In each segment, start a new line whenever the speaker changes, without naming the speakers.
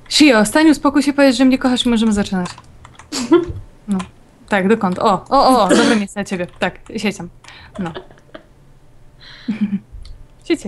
Shio, stań, uspokój się, powiedz, że mnie kochasz i możemy zaczynać. No. Tak, dokąd? O, dobre miejsce dla ciebie. Tak, siedź tam. No. Siedź.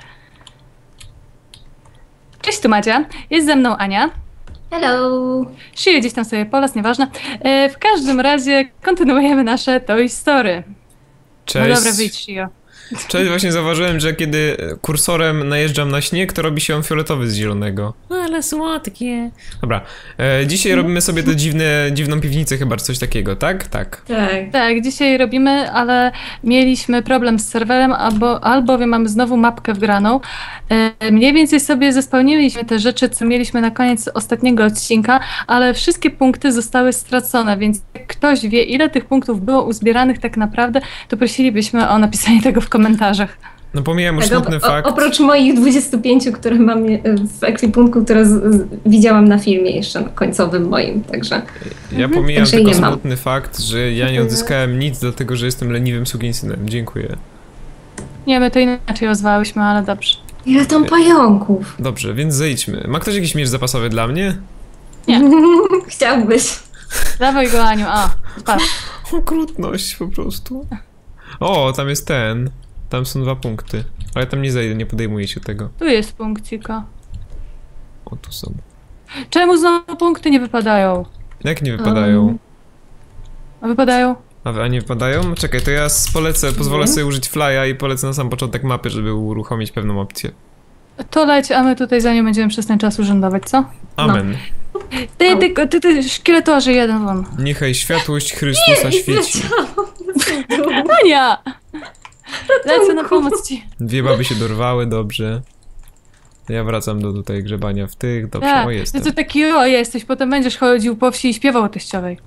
Cześć, tu Madzia. Jest ze mną Ania.
Hello!
Shio gdzieś tam sobie po las, nieważne. W każdym razie kontynuujemy nasze Toy Story.
Cześć.
No dobra, wyjdź, Shio.
Cześć, właśnie zauważyłem, że kiedy kursorem najeżdżam na śnieg, to robi się on fioletowy z zielonego. Ale słodkie. Dobra, dzisiaj robimy sobie tę dziwną piwnicę chyba, czy coś takiego, tak? Tak.
Tak, dzisiaj robimy, ale mieliśmy problem z serwerem, albowiem mamy znowu mapkę wgraną. Mniej więcej sobie zespełniliśmy te rzeczy, co mieliśmy na koniec ostatniego odcinka, ale wszystkie punkty zostały stracone, więc jak ktoś wie, ile tych punktów było uzbieranych tak naprawdę, to prosilibyśmy o napisanie tego w komentarzach.
No pomijam już smutny fakt.
Oprócz moich 25, które mam w ekwipunku, które widziałam na filmie jeszcze na końcowym moim, także...
Ja pomijam tylko smutny fakt, że ja nie odzyskałem nic, dlatego że jestem leniwym sukinsynem. Dziękuję.
Nie, my to inaczej ozwałyśmy, ale dobrze.
Ile tam pająków?
Dobrze, więc zejdźmy. Ma ktoś jakiś miecz zapasowy dla mnie?
Nie.
Chciałbyś.
Dawaj go, Aniu, patrz.
Okrutność po prostu. O, tam jest ten. Tam są 2 punkty. Ale tam nie zejdę, nie podejmuję się tego.
Tu jest punkcika.
O, tu są.
Czemu znowu punkty nie wypadają?
Jak nie wypadają?
A wypadają?
A nie wypadają? Czekaj, to ja pozwolę sobie użyć flya i polecę na sam początek mapy, żeby uruchomić pewną opcję.
To leć, a my tutaj za nią będziemy przez ten czas urzędować, co?
Amen.
Ty szkieletorzy jeden won.
Niechaj światłość Chrystusa świeci.
Ania! Lecę na pomoc ci.
2 baby się dorwały, dobrze. Ja wracam do tutaj grzebania w tych, dobrze,
Tak,
o jestem.
ty taki jesteś, potem będziesz chodził po wsi i śpiewał o teściowej.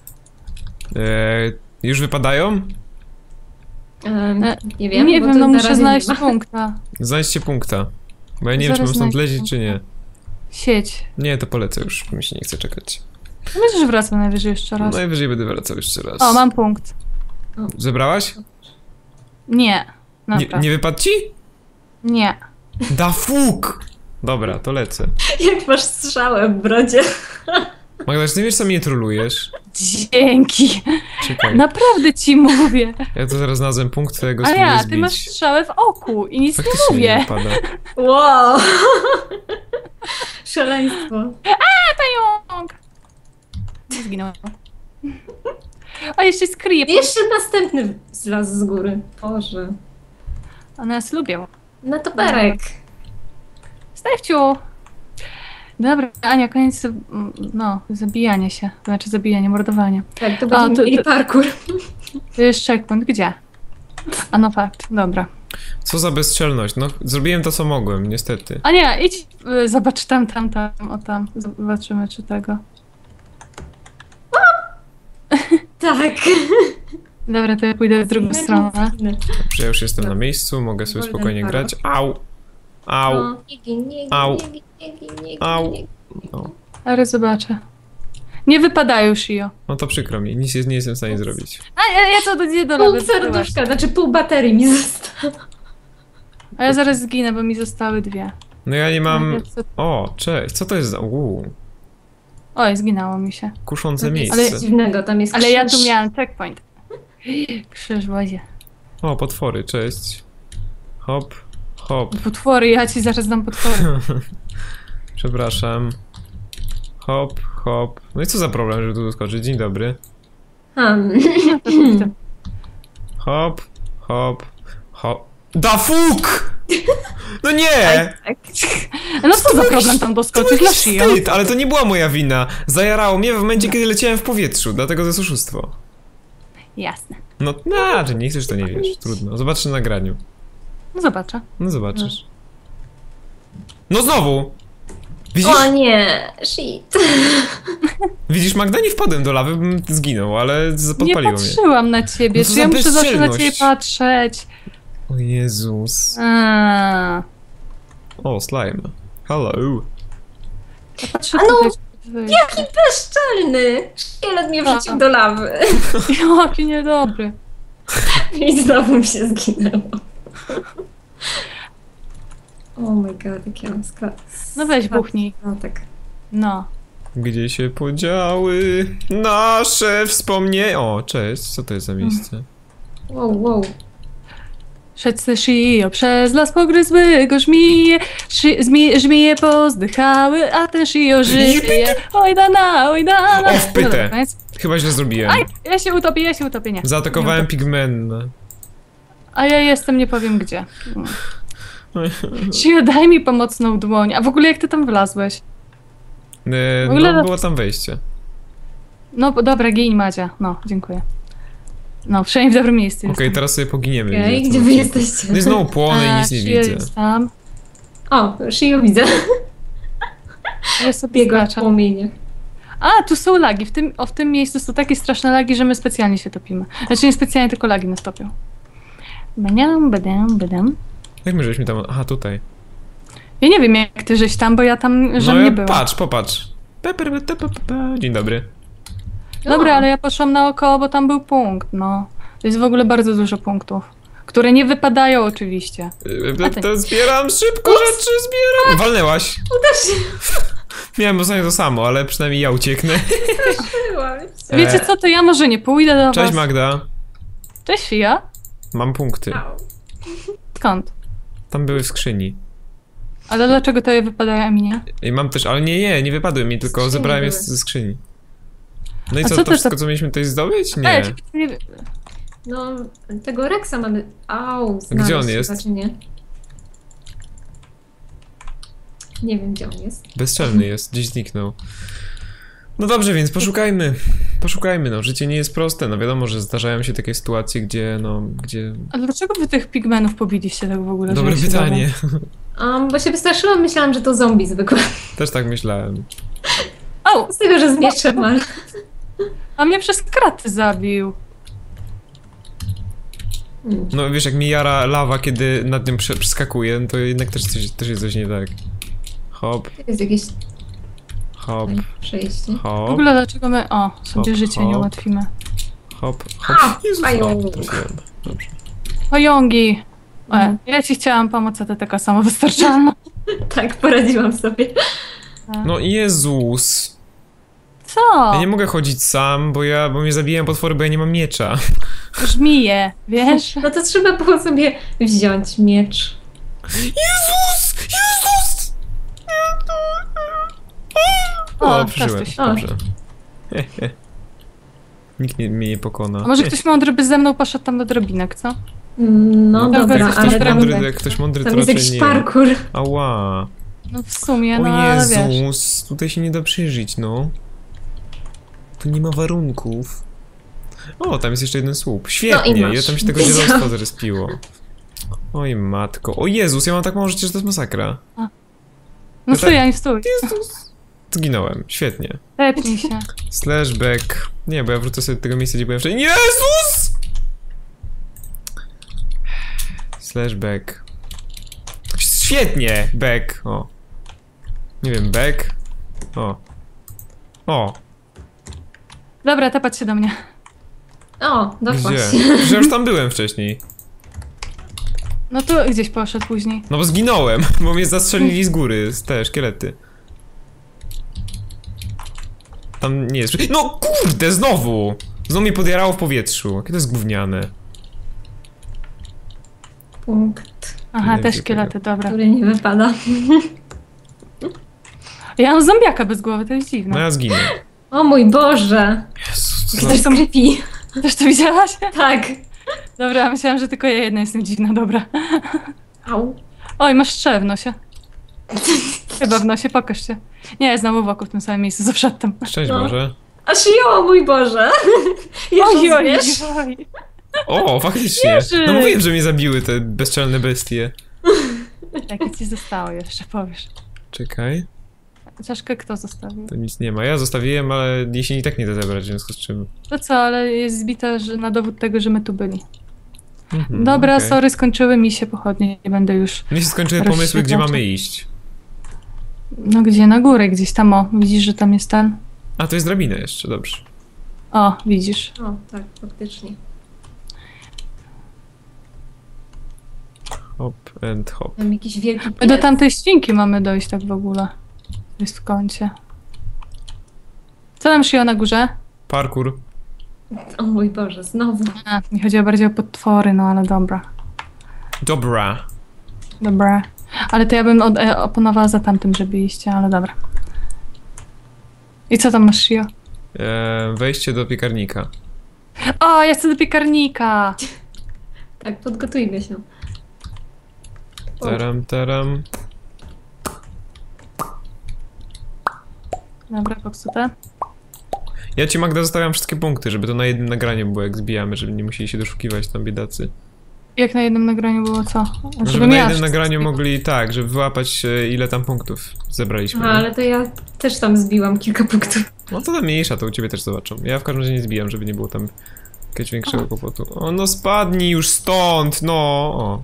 Już wypadają?
Nie wiem,
nie wiem, no muszę znaleźć punkta.
Znajdźcie punkta. Bo ja nie wiem, czy mam stąd lecieć, czy nie.
Sieć.
Nie, to polecę już, mi się nie chce czekać.
Myślę, że wracam najwyżej jeszcze raz.
Najwyżej będę wracał jeszcze raz.
O, mam punkt.
Zebrałaś?
Nie.
Nie wypadł ci?
Nie.
Da fuk! Dobra, to lecę.
Jak masz strzałę w brodzie.
Magda, czy ty wiesz, co mnie trolujesz?
Dzięki.
Czekaj.
Naprawdę ci mówię.
Ja to zaraz znalazłem punkt, którego
A
spróbuję
ja,
zbić.
ty masz strzałę w oku i nic
Faktycznie
nie mówię.
nie wypada.
Wow. Szaleństwo.
Pająk! Zginął. A jeszcze jest creep.
Jeszcze następny zlazł z góry. Boże.
One nas lubią.
Na toperek.
Stefciu! Dobra, Ania, koniec zabijania się. To znaczy zabijanie, mordowanie.
Tak, to będziemy mieli parkour.
To jest checkpoint. Gdzie? A no fakt, dobra.
Co za bezczelność, no zrobiłem to, co mogłem, niestety.
Ania, idź, zobacz tam, o tam. Zobaczymy, czy tego.
Tak.
Dobra, to ja pójdę w drugą stronę.
Dobrze, ja już jestem na miejscu, mogę sobie spokojnie grać. Au! Au! Au! Au! No.
Ale zobaczę. Nie wypadają, Shio.
No to przykro mi, nic nie jestem w stanie zrobić.
A ja to nie do
Pół serduszka, znaczy pół baterii mi zostało.
A ja zaraz zginę, bo mi zostały 2.
No ja nie mam... O, cześć, co to jest za...
Oj, zginęło mi się.
Kuszące miejsce.
Ale nic dziwnego, tam jest
Ale
krzyż.
ja tu miałam checkpoint. Krzyż w wodzie.
O, potwory, cześć. Hop, hop.
Potwory, ja ci zaraz dam potwory.
Przepraszam. Hop, hop. No i co za problem, żeby tu doskoczyć? Dzień dobry. Hop, hop, hop. Da fuk! No nie!
No co za problem tam doskoczyć na Shio?
Wstyd, ale to nie była moja wina. Zajarało mnie w momencie, kiedy leciałem w powietrzu, dlatego to jest oszustwo.
Jasne.
No, że nie chcesz, to nie wiesz. Trudno. Zobaczysz na nagraniu.
No zobaczę.
No zobaczysz. No znowu! Widzisz?
O nie, shit.
Widzisz, Magda, nie wpadłem do lawy, bym zginął, ale podpaliło
Nie
mnie.
patrzyłam na ciebie,
No
czy ja muszę zawsze na
bezczelność.
ciebie patrzeć?
O Jezus. O, slime. Hello.
Ja patrzę
A no,
tutaj.
Jaki bezczelny! Szkielet mnie wrzucił do lawy.
Jaki niedobry.
I znowu mi się zginęło. Oh my god, jak ja mam skład.
No weź buchnij.
No tak.
No.
Gdzie się podziały nasze wspomnienia? O, cześć, co to jest za miejsce?
Wow, wow.
Szedł se szyjo, przez las pogryzły go żmije, żmije pozdychały, a ten szyjo żyje. Oj dana, oj dana.
O, wpytę.
Dobra, koniec.
Chyba źle zrobiłem.
Aj, ja się utopię, nie.
Zaatakowałem
Nie
pigmenta.
A ja jestem, nie powiem gdzie. Szyjo, daj mi pomocną dłoń. A w ogóle jak ty tam wlazłeś? W ogóle-
No, było tam wejście.
No dobra, gin Madzia. No, dziękuję. No, przynajmniej w dobrym miejscu
Okej,
jestem.
teraz sobie poginiemy.
Okej,
widzę,
gdzie
co
wy
odcinku.
jesteście?
No i znowu płonę i nic nie
Szyjo
widzę.
jest tam.
O, Shio widzę.
Ja sobie
Biega w
skaczę.
płomieniach.
A, tu są lagi. W tym miejscu są takie straszne lagi, że my specjalnie się topimy. Znaczy nie specjalnie, tylko lagi nas topią. Badam.
Jak my żeśmy tam... Aha, tutaj.
Ja nie wiem jak ty żeś tam, bo ja tam żem nie była.
Patrz, popatrz. Dzień dobry.
Dobra, ale ja poszłam naokoło, bo tam był punkt, no. To jest w ogóle bardzo dużo punktów. Które nie wypadają oczywiście. A ty-
To zbieram szybko rzeczy, zbieram. Walnęłaś.
Uderz się.
Miałem ostatnio to samo, ale przynajmniej ja ucieknę.
Wiecie co, to ja może nie pójdę do
Cześć
was.
Magda.
Cześć Fia.
Mam punkty.
Skąd?
Tam były w skrzyni.
Ale dlaczego to je wypadają, a mi nie?
I mam też, ale nie wypadły mi, tylko
Skrzyni
zebrałem je
były.
ze skrzyni. No i
A
co,
co
to
ty
wszystko,
to-
co mieliśmy tutaj zdobyć? Nie.
nie...
No, tego Rexa mamy... Au,
Gdzie on
znaleźć
jest?
chyba, czy nie? Nie wiem, gdzie on jest.
Bezczelny jest, gdzieś zniknął. No dobrze, więc poszukajmy. Poszukajmy, no. Życie nie jest proste. No wiadomo, że zdarzają się takie sytuacje, gdzie...
A dlaczego wy tych pigmenów pobiliście tak w ogóle? że
Dobre
ja się
pytanie.
Bo się wystraszyłam, myślałam, że to zombie zwykłe.
Też tak myślałem.
Au!
Z tego, że z mieczem, ale...
A mnie przez kraty zabił.
No wiesz, jak mi jara lawa, kiedy nad nią przeskakuje, no to jednak też jest coś nie tak. Hop,
Jest jakieś
hop,
przejście.
W
hop,
ogóle dlaczego my, sobie
Hop,
życie nie
hop.
ułatwimy.
hop,
A,
hop. Jezus,
pająk.
trafiłem. Dobrze.
Pajągi!
Mhm.
Ja ci chciałam pomóc, a ty taka samowystarczalna.
Tak, poradziłam sobie.
No Jezus.
Co?
Ja nie mogę chodzić sam, bo mnie zabijają potwory, bo ja nie mam miecza.
Żmije, wiesz?
No to trzeba było sobie wziąć miecz.
Jezus! Jezus!
O,
O, przeżyłem.
Kastuś.
Dobrze. Nikt mnie nie pokona.
A może ktoś mądry by ze mną poszedł tam do drobinek, co?
No
Dobra,
dobra,
jak
ale
ktoś
tam,
mądry, jak ktoś mądry, to
tam jest
raczej
jakiś
nie.
parkour.
Ała.
No w sumie,
O
no ale wiesz.
Jezus, tutaj się nie da przeżyć, no. Tu nie ma warunków. O, tam jest jeszcze jeden słup. Świetnie,
No i masz.
ile tam się tego dzielostwa zrespiło. Oj matko. O Jezus, ja mam tak mało życia, że to jest masakra.
No stój, Ani, stój.
Jezus. Zginąłem, świetnie.
Tepnij się.
Slashback. Nie, bo ja wrócę sobie do tego miejsca, gdzie byłem wcześniej. Jezus! Slashback. Świetnie! Back. O. Nie wiem, back. O. O.
Dobra, tepać się do mnie.
O, doszłaś.
Gdzie? Przecież ja już tam byłem wcześniej.
No tu gdzieś poszedł później.
No bo zginąłem, bo mnie zastrzelili z góry, z te szkielety. Tam nie jest... No kurde, znowu! Znowu mnie podjarało w powietrzu. Jakie to jest gówniane.
Punkt,
Aha,
Nie
te
wiem,
szkielety, dobra.
który nie wypada.
Ja mam zombiaka bez głowy, to jest
No
dziwne.
ja zginę.
O mój Boże!
Jezus, co
Ktoś
za...
tam creepy.
Też to widziałaś?
Tak.
Dobra, myślałam, że tylko ja jedna jestem dziwna, dobra.
Au.
Oj, masz strzel w nosie. Chyba w nosie, pokaż się. Nie, znowu wokół w tym samym miejscu, z przedtem.
Szczęść
No.
Boże.
Aż o mój Boże! Jeszcze wiesz?
oj.
O, faktycznie.
Jerzy!
No mówiłem, że mnie zabiły te bezczelne bestie.
Jakie ci zostało jeszcze, powiesz.
Czekaj,
Czaszkę kto zostawił?
to nic nie ma. Ja zostawiłem, ale jeśli i tak nie da zebrać, w związku z czym...
To co, ale jest zbita że na dowód tego, że my tu byli.
Mhm,
Dobra,
okej.
sorry, skończyły mi się pochodnie, nie będę już...
Mnie się skończyły pomysły, gdzie
Rozświetlacza.
mamy iść.
No gdzie? Na górę gdzieś tam, o. Widzisz, że tam jest ten?
A, to jest drabina jeszcze, dobrze.
O, widzisz.
O, tak, faktycznie.
Hop and hop.
Tam jakiś wielki
My do tamtej świnki mamy dojść tak w ogóle. Jest w kącie. Co tam Shio na górze?
Parkour.
O mój Boże, znowu.
A, mi chodziło bardziej o potwory, no ale dobra.
Dobra.
Dobra. Ale to ja bym oponowała za tamtym, żeby iść, ale dobra. I co tam masz, Shio?
Wejście do piekarnika.
O, ja chcę do piekarnika!
Tak, podgotujmy się.
Taram.
Dobra, popsute.
Ja ci, Magda, zostawiam wszystkie punkty, żeby to na jednym nagraniu było, jak zbijamy, żeby nie musieli się doszukiwać tam biedacy.
Jak na jednym nagraniu było co?
Żeby na jednym
miała
nagraniu
wszystko.
mogli, tak, żeby wyłapać ile tam punktów zebraliśmy.
Aha, ale to ja też tam zbiłam kilka punktów.
No to tam mniejsza, to u ciebie też zobaczą. Ja w każdym razie nie zbijam, żeby nie było tam jakiegoś większego kłopotu. O, no spadnij już stąd, no! O.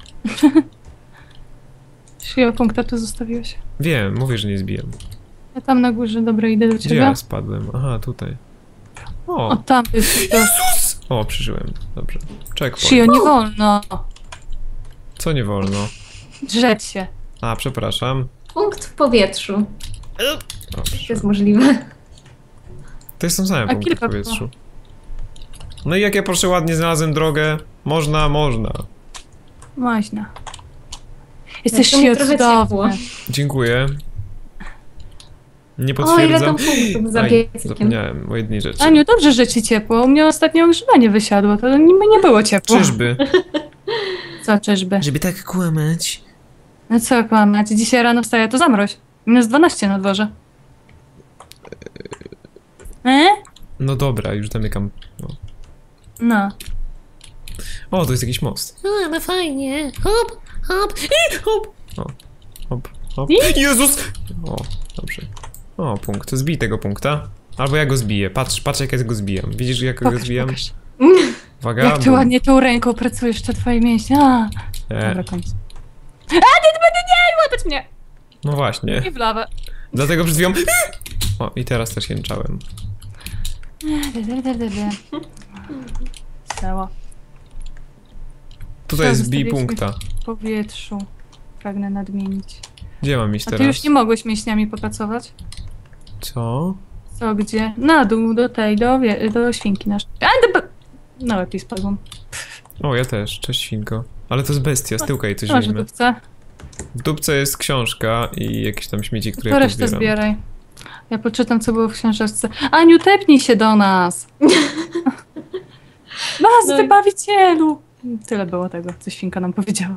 Shio, punkta tu zostawiłeś.
Wiem, mówię, że nie zbijam.
Ja tam na górze, dobra, idę do
Gdzie
ciebie.
ja spadłem? Aha, tutaj.
O,
O,
tam jest.
o, przeżyłem. Dobrze. Checkpoint.
Shio, nie wolno.
Co nie wolno?
Drzeć się.
A, przepraszam.
Punkt w powietrzu. To
Dobrze.
jest możliwe.
To jest tym samym
A
punktem w
kilka
powietrzu. No i jak ja proszę ładnie znalazłem drogę, można.
Można. Jesteś
to mi
Shio
trochę ciepło.
Tak,
cudowny.
Dziękuję. Nie
O, ile tam
potwierdzam.
punktów za
Aj,
piecykiem.
zapomniałem o jednej rzeczy.
Aniu, dobrze, że ci ciepło. U mnie ostatnio ogrzewanie wysiadło, to nie było ciepło.
Czyżby?
Co czyżby?
Żeby tak kłamać.
No co kłamać? Dzisiaj rano wstaję, to zamroź. -12 na dworze.
No dobra, już zamykam. No.
No.
O, to jest jakiś most.
Ale fajnie. Hop, hop, i hop.
O, hop, hop.
I?
Jezus! O, dobrze. O, punkt. Zbij tego punkta. Albo ja go zbiję. Patrz jak ja go zbijam. Widzisz, jak go
Pokaż,
zbijam?
pokaż.
Uwaga.
Jak ty
bum.
ładnie tą ręką pracujesz, te twoje mięśnie. A, dobra, koniec. Nie łapać mnie!
No właśnie.
Nie w lawę.
Dlatego przed chwilą... O, i teraz też jęczałem.
Stało.
Tutaj
Co,
jest zbij
zostawiliśmy
punkta.
w powietrzu. Pragnę nadmienić.
Gdzie mam iść
A
teraz?
ty już nie mogłeś mięśniami popracować?
Co?
Co, gdzie? Na dół, do tej, do świnki naszej. No, lepiej spadłam.
O, ja też. Cześć, świnko. Ale to jest bestia, z tyłka jej coś
Masz
weźmie.
dupce.
W dupce jest książka i jakieś tam śmieci, które
To
ja
resztę
pozbieram.
zbieraj. Ja poczytam, co było w książeczce. Aniu, tepnij się do nas! Nas,
No i-
wybawicielu! Tyle było tego, co świnka nam powiedziała.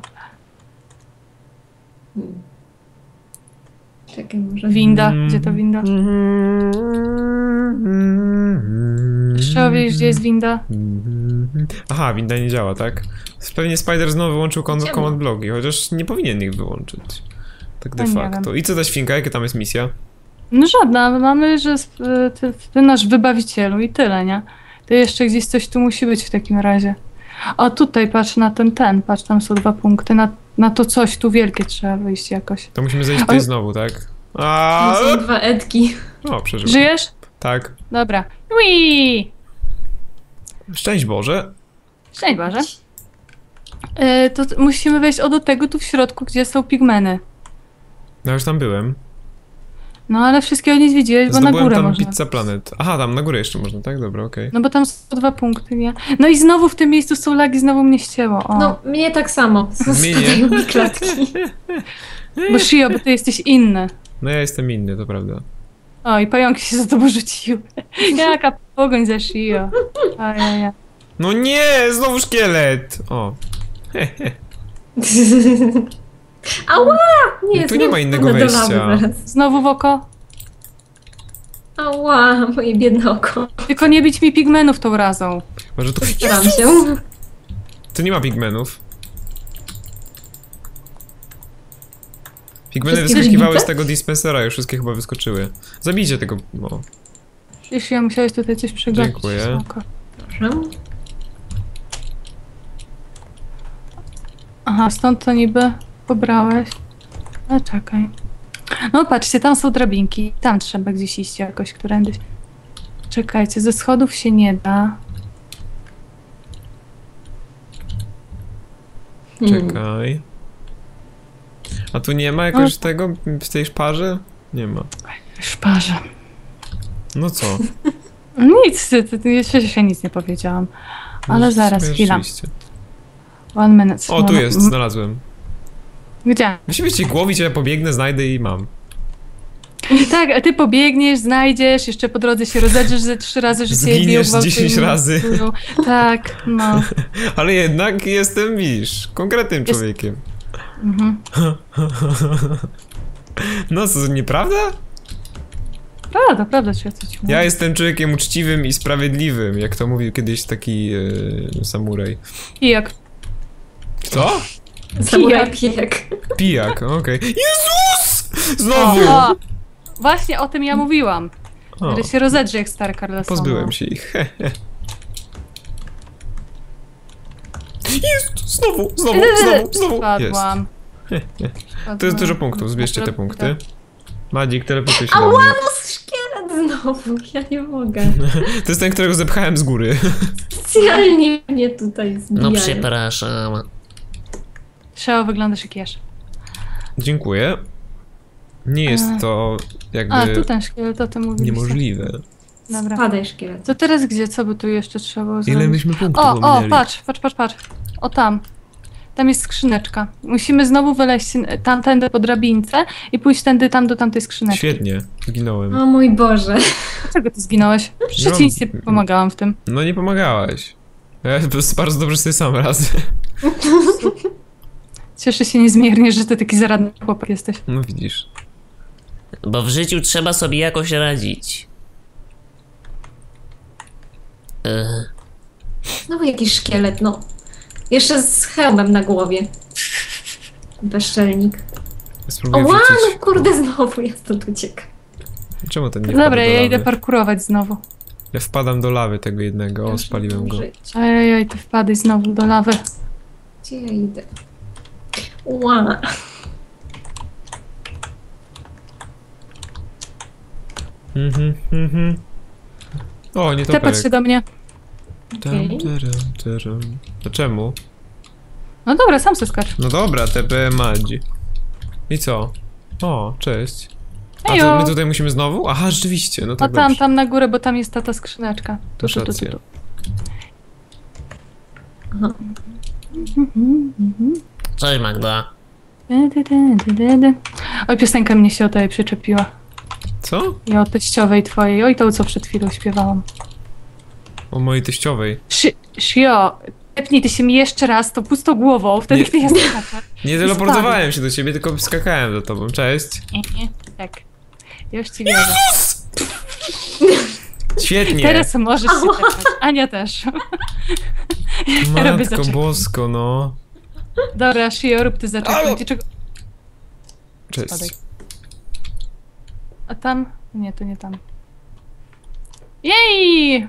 Czekaj, może...
Winda. Gdzie to winda? Trzeba wiedzieć, gdzie jest winda.
Aha, winda nie działa, tak? Pewnie Spider znowu wyłączył
Ciemno.
command blogi, chociaż nie powinien ich wyłączyć. Tak de
No nie
facto. I co ta świnka? Jaka tam jest misja?
No żadna, my mamy, że ty nasz wybawicielu i tyle, nie? To jeszcze gdzieś coś tu musi być w takim razie. O, tutaj patrz na ten, patrz, tam są 2 punkty, na to coś tu wielkie trzeba wyjść jakoś.
To musimy zejść tutaj znowu, tak? A!
Są 2 Edki.
O, przeżyłem.
Żyjesz?
Tak.
Dobra. Ui!
Szczęść Boże.
Szczęść Boże. To musimy wejść do tego tu w środku, gdzie są pigmeny.
No już tam byłem.
No ale wszystkiego nie zwiedziłeś, bo na
Zdobyłem
górę
tam
można.
Pizza Planet. Aha, tam na górę jeszcze można, tak? Dobra, okej.
No bo tam są 2 punkty, nie? No i znowu w tym miejscu są lagi, znowu mnie ścięło. O.
No, mnie tak samo.
Mnie nie.
Spadają mi klatki.
Bo Shio, bo ty jesteś inny.
No ja jestem inny, to prawda.
O, i pająki się za tobą rzuciły. Jaka pogoń za Shio. Ajajaj.
No nie! Znowu szkielet! O.
Ała! Nie,
No tu nie ma innego
spadnę do
wejścia.
lawy zaraz.
Znowu w oko?
Ała, moje biedne oko.
Tylko nie bić mi pigmenów tą razą.
Może tu...
Staram się.
Tu nie ma pigmenów. Pigmeny
Wszystkie
wyskakiwały
wybite?
z tego dispensera, już wszystkie chyba wyskoczyły. Zabijcie tego... O.
Wiesz, ja musiałeś tutaj coś przegapić.
Dziękuję.
Spoko.
Proszę.
Aha, stąd to niby pobrałeś. No czekaj. No patrzcie, tam są drabinki. Tam trzeba gdzieś iść jakoś, którędyś. Czekajcie, ze schodów się nie da.
Czekaj. A tu nie ma jakoś tego w tej szparze? Nie ma.
Szparze.
No co?
Nic, jeszcze się nic nie powiedziałam. Ale
No,
zaraz,
w sumie
chwila.
rzeczywiście.
1 minute.
O, tu jest, znalazłem.
Gdzie?
Musimy cię głowić, a ja pobiegnę, znajdę i mam.
Tak, a ty pobiegniesz, znajdziesz, jeszcze po drodze się rozedrzesz ze 3 razy, że cię biją,
Zginiesz z
gwałtują,
10 razy.
mordują. Tak, no.
Ale jednak jestem, widzisz, konkretnym
Jest-
człowiekiem.
Mhm.
No co, nieprawda?
Prawda, czy ja coś mówię?
Ja jestem człowiekiem uczciwym i sprawiedliwym, jak to mówił kiedyś taki samuraj.
Pijak.
Co?
Samuraj pijak.
Pijak, okej. Jezus! Znowu!
O, właśnie o tym ja mówiłam.
O,
Że się rozedrze jak stary Carlson.
pozbyłem się ich. Jest! Znowu! Jest.
Spadłam.
To jest dużo punktów, zbierzcie te punkty. Madzik, teleportuj się do
Ała,
mnie.
no szkielet znowu, ja nie mogę.
To jest ten, którego zepchałem z góry.
Specjalnie mnie tutaj zbijają.
No przepraszam.
Szeo, wyglądasz jak jesz.
Dziękuję. Nie jest to jakby
A, tu ten szkielet, o tym mówiliście.
niemożliwe.
Dobra.
Padaj szkielet.
To teraz gdzie? Co by tu jeszcze trzeba było
Ile
zrobić?
myśmy punktów
O,
ominęli?
patrz. O, tam. Tam jest skrzyneczka. Musimy znowu wyleźć tamtędy po drabince i pójść tędy tam do tamtej skrzyneczki.
Świetnie, zginąłem.
O mój Boże.
Dlaczego ty zginąłeś? Przecież
No.
ci nic nie pomagałam w tym.
No nie pomagałaś. Ja bardzo dobrze sobie sam radzę.
Cieszę się niezmiernie, że ty taki zaradny chłopak jesteś.
No widzisz.
Bo w życiu trzeba sobie jakoś radzić.
Znowu jakiś szkielet, no. Jeszcze z hełmem na głowie. Bezczelnik.
Spróbuję
Ła,
wrzucić.
no kurde, znowu ja stąd uciekam.
Czemu ten nie wpada
Dobra,
do
ja
lawy?
idę parkurować znowu.
Ja wpadam do lawy tego jednego. O,
Muszę
spaliłem go.
żyć.
Ej, ty wpadaj znowu do lawy.
Gdzie ja idę? Ła.
Mhm. O, nie to
Tepać się do mnie.
Okej.
To czemu?
No dobra, sam se skacz.
No dobra, TP Madzi. I co? O, cześć. A to
Ejo.
my tutaj musimy znowu? Aha, rzeczywiście, no
No
tak
tam,
dobrze.
tam na górę, bo tam jest ta skrzyneczka. Tu,
Masz
tu, tu,
rację.
tu.
Aha.
Cześć Magda.
Oj, piosenka mnie się o tej przyczepiła.
Co?
I o teściowej twojej. Oj, to co przed chwilą śpiewałam.
O mojej teściowej.
Shio, tepnij ty się mi jeszcze raz, to pusto głową, wtedy
Nie.
kiedy ja skaczę.
Nie teleportowałem się do ciebie, tylko skakałem do tobą. Cześć.
Tak. Już ci wierzę.
Świetnie.
Teraz możesz się tepać. Ania też. Ja robię
Matko
zaczep.
bosko, no.
Dobra, Shio, rób ty
Halo.
zaczekaj. Czego...
Cześć.
Spadaj. A tam? Nie, to nie tam. Jej!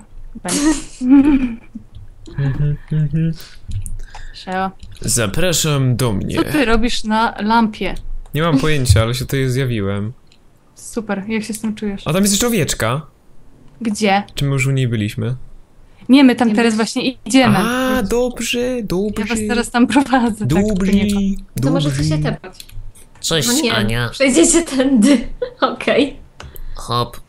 Shio,
Zapraszam do mnie.
co ty robisz na lampie?
Nie mam pojęcia, ale się tutaj zjawiłem.
Super, jak się z tym czujesz?
A tam jest jeszcze owieczka.
Gdzie?
Czy my już u niej byliśmy?
Nie, my tam
Nie
teraz
ma.
właśnie idziemy.
A, dobrze,
Ja was teraz tam prowadzę. Tak,
Dobrze,
to nie to.
To może chcesz się tepać.
Cześć
No nie,
Ania.
przejdziecie tędy. Okej.
Hop.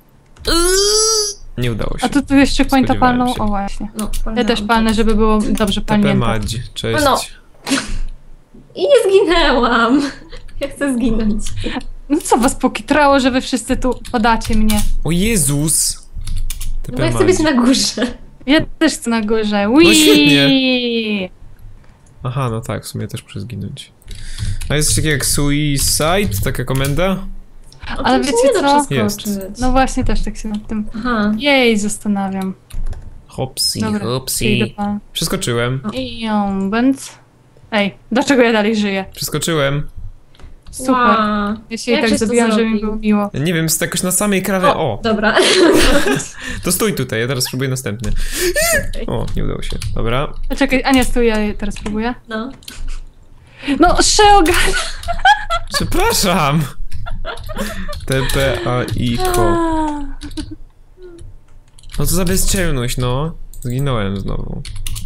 Nie udało się.
A tu jeszcze pointa
Spodziewałem
palną?
się.
O właśnie.
No,
Ja też palnę, żeby było dobrze
TP
palnięte.
Madzi, cześć.
No. I nie zginęłam. Ja chcę zginąć.
No co was pokitrało, że wy wszyscy tu podacie mnie?
O Jezus!
No bo ja chcę być na górze.
Ja też chcę na górze. Wii!
No świetnie. Aha, no tak, w sumie też muszę zginąć. A jest coś takiego jak suicide? Taka komenda?
Ale
Oczywiście
wiecie
nie da
co?
przeskoczyć.
No właśnie, też tak się nad tym...
Aha.
Jej, zastanawiam.
Hops.
Dobra, idę
Hopsi.
pan.
Przeskoczyłem.
I ją bęc... Ej, dlaczego ja dalej żyję?
Przeskoczyłem.
Super.
Ła.
Ja się i
Jak
tak
żeś to
zabiłam, że mi
zrobił?
było miło.
Nie wiem, jest jakoś na samej krawie. O!
Dobra.
To stój tutaj, ja teraz spróbuję następny. O, nie udało się. Dobra.
Czekaj, Ania, stój, ja teraz próbuję.
No.
No, Sheoga!
Przepraszam! TPAIKO. No to za bezczelność, no. Zginąłem znowu.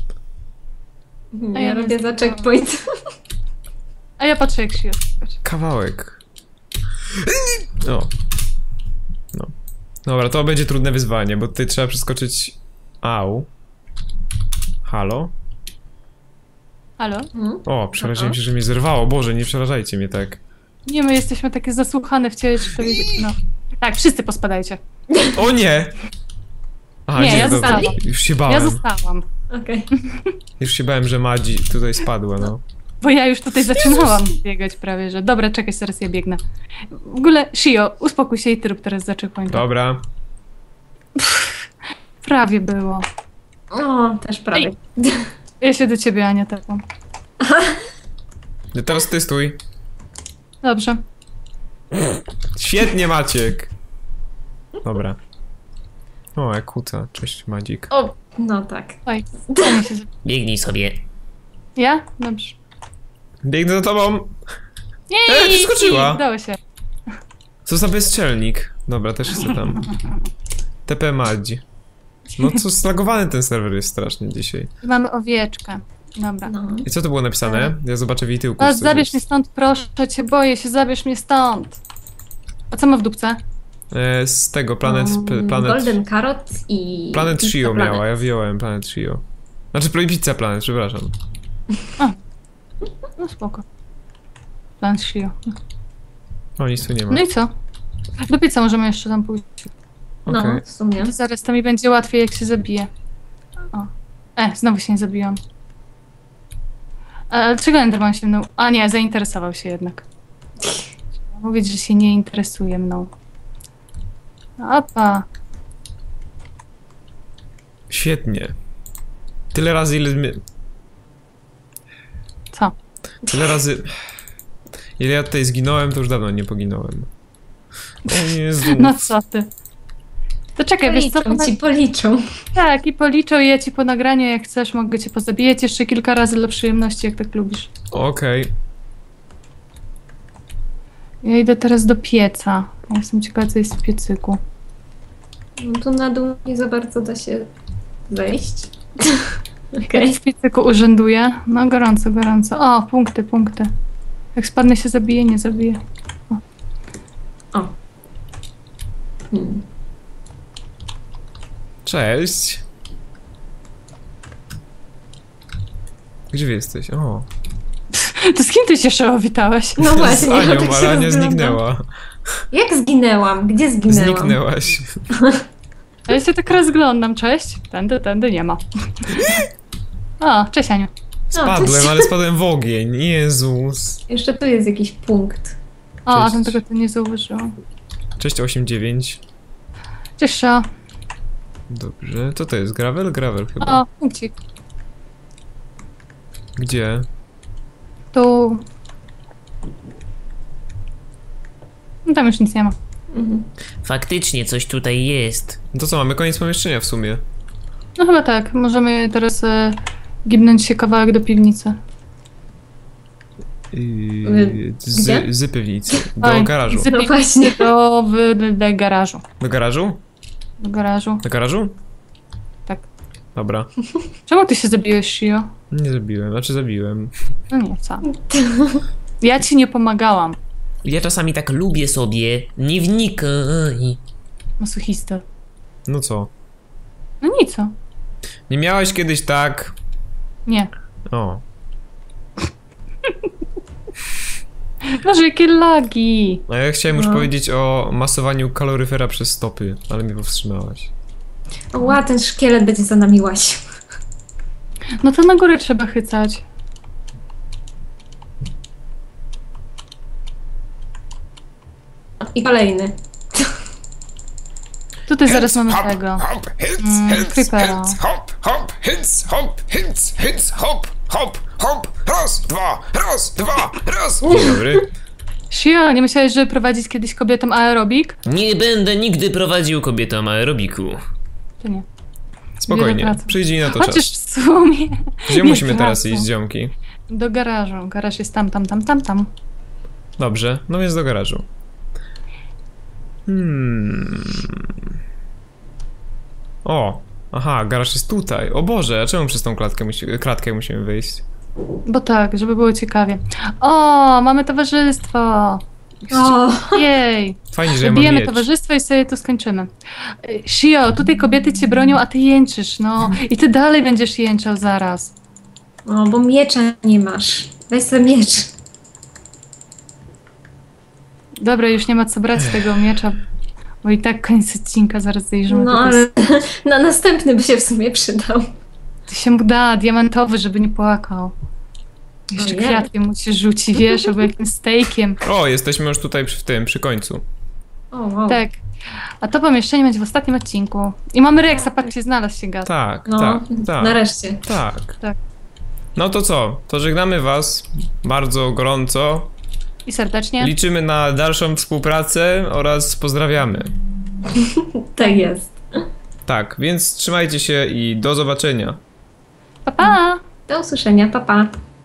A ja
Ja
nie
robię za
zginęłam.
checkpoint.
A ja patrzę, jak się jest.
Kawałek. O. No. Dobra, to będzie trudne wyzwanie, bo tutaj trzeba przeskoczyć... Au. Halo?
Halo?
O, przeraziłem się, że mnie zerwało. Boże, nie przerażajcie mnie tak.
Nie, my jesteśmy takie zasłuchane w ciele, czy powiedzieć, no. Tak, wszyscy pospadajcie.
O nie! Aha,
Nie, ja
dobra.
zostałam.
Już się bałem.
Ja zostałam,
Okej.
Już się bałem, że Madzi tutaj spadła, no.
bo ja już tutaj zaczynałam biegać prawie, że... Dobra, czekaj, zaraz ja biegnę. W ogóle, Shio, uspokój się i ty rób teraz zaczekłoń.
Dobra.
Prawie było.
O, też prawie.
Ja się do ciebie, Ania, tepam.
No teraz ty stój.
Dobrze.
Świetnie, Maciek. Dobra. O, jak kuca. Cześć, Madzik.
O, no tak.
Oj, Ania się...
Biegnij sobie.
Ja? Dobrze.
Biegnę za tobą.
Jej!
Przeskoczyła.
Udało się.
Co za bezczelnik. Dobra, też chcę tam. TP Madzi. No co, slagowany ten serwer jest strasznie dzisiaj.
Mamy owieczkę. Dobra.
No.
I co to było napisane? Ja zobaczę w jej tyłku.
A,
czy coś
zabierz
jest.
mnie stąd, proszę cię, boję się, zabierz mnie stąd. A co ma w dupce?
Z tego, Planet...
Golden Carrot i...
Planet
Pizza
Trio
Planet.
miała, ja wyjąłem Planet Trio. Znaczy, Pizza Planet, przepraszam.
No spoko. Plan Shio.
O, nic tu nie ma.
No i co? Do pieca możemy jeszcze tam pójść.
No,
Okej.
w sumie.
Zaraz to mi będzie łatwiej, jak się zabije. O. Znowu się nie zabiłam. Ale czego Enderman się mną? A nie, zainteresował się jednak. Trzeba mówić, że się nie interesuje mną. Opa.
Świetnie. Tyle razy, ile...
Co?
Tyle razy... Ile ja tutaj zginąłem, to już dawno nie poginąłem. O Jezu.
No co ty? To czekaj, wiesz co?
Policzą ci, policzą.
Tak, i policzę i ja ci po nagraniu, jak chcesz, mogę cię pozabijać jeszcze kilka razy dla przyjemności, jak tak lubisz.
Okej.
Ja idę teraz do pieca. Ja jestem ciekawa, co jest w piecyku.
No tu na dół nie za bardzo da się wejść.
Jak
Okej.
w piecyku urzęduję? No gorąco, gorąco. O, punkty, punkty. Jak spadnę się zabije, nie zabije.
O. Hmm.
Cześć. Gdzie wy jesteś? O.
To z kim ty się Szeo witałeś?
No
Z
właśnie, ja
Anią,
tak
ale
się
Ania
rozglądam.
zniknęła.
Jak zginęłam? Gdzie zginęłam?
Zniknęłaś.
A ja się tak rozglądam, cześć. Tędy nie ma. O, cześć Aniu.
Spadłem, ale spadłem w ogień. Jezus.
Jeszcze tu jest jakiś punkt.
O, a
Cześć.
tam tego to nie zauważyłam.
Cześć 8-9.
Cześć Szeo.
Dobrze. Co to jest? Gravel? Gravel chyba.
O, punkcik.
Gdzie?
Tu. No tam już nic nie ma.
Mhm.
Faktycznie coś tutaj jest.
No to co, mamy koniec pomieszczenia w sumie.
No chyba tak. Możemy teraz gibnąć się kawałek do piwnicy.
Gdzie?
Z piwnicy. Do
Oj,
garażu.
Z
No
piwnicy
właśnie.
do garażu.
Do garażu?
Do garażu.
Do garażu?
Tak.
Dobra.
Czemu ty się zabiłeś, Shio?
Nie zabiłem, znaczy zabiłem.
No nie, co? Ja ci nie pomagałam.
Ja czasami tak lubię sobie nie wnikaj.
Masochista.
No co?
No nic, co?
Nie miałeś kiedyś tak...
Nie.
O.
Boże, jakie lagi.
A ja chciałem już
No.
powiedzieć o masowaniu kaloryfera przez stopy, ale mnie powstrzymałaś.
Ła, ten szkielet będzie za nami łaził.
No to na górę trzeba chycać.
I kolejny.
Tutaj zaraz mamy tego.
Hop, hits,
creepera.
hop, hop, hits, hop, hop, hop, raz, dwa, raz. Dzień dobry.
Shio, nie myślałeś, żeby prowadzić kiedyś kobietom aerobik?
Nie będę nigdy prowadził kobietom aerobiku.
To nie.
Spokojnie,
Wiele pracy.
przyjdzie na to
Chociaż
czas.
w sumie.
Gdzie
nie
musimy teraz
pracy.
iść, ziomki?
Do garażu. Garaż jest tam.
Dobrze, no więc do garażu. O, aha, garaż jest tutaj. O Boże, a czemu przez tą klatkę musimy wyjść?
Bo tak, żeby było ciekawie. O, mamy towarzystwo.
O,
Jej.
Fajnie, że ja mam
Bijemy
miecz.
towarzystwo i sobie to skończymy. Shio, tutaj kobiety cię bronią, a ty jęczysz, no. I ty dalej będziesz jęczał zaraz.
O, bo miecza nie masz. Weź sobie miecz.
Dobra, już nie ma co brać tego miecza, bo i tak koniec odcinka, zaraz zajrzymy.
No ale na następny by się w sumie przydał.
Ty się mu da, diamentowy, żeby nie płakał. Jeszcze
Ojej.
kwiatkiem mu się rzuci, wiesz, albo jakimś stejkiem.
O, jesteśmy już tutaj przy końcu.
O, wow.
Tak. A to pomieszczenie będzie w ostatnim odcinku. I mamy Rexa, patrzcie, znalazł się gaz.
Tak,
No,
tak.
nareszcie.
Tak.
Tak.
No to co? To żegnamy was bardzo gorąco.
I serdecznie.
Liczymy na dalszą współpracę oraz pozdrawiamy.
Tak jest.
Tak, więc trzymajcie się i do zobaczenia.
Pa, pa!
Do usłyszenia, pa pa.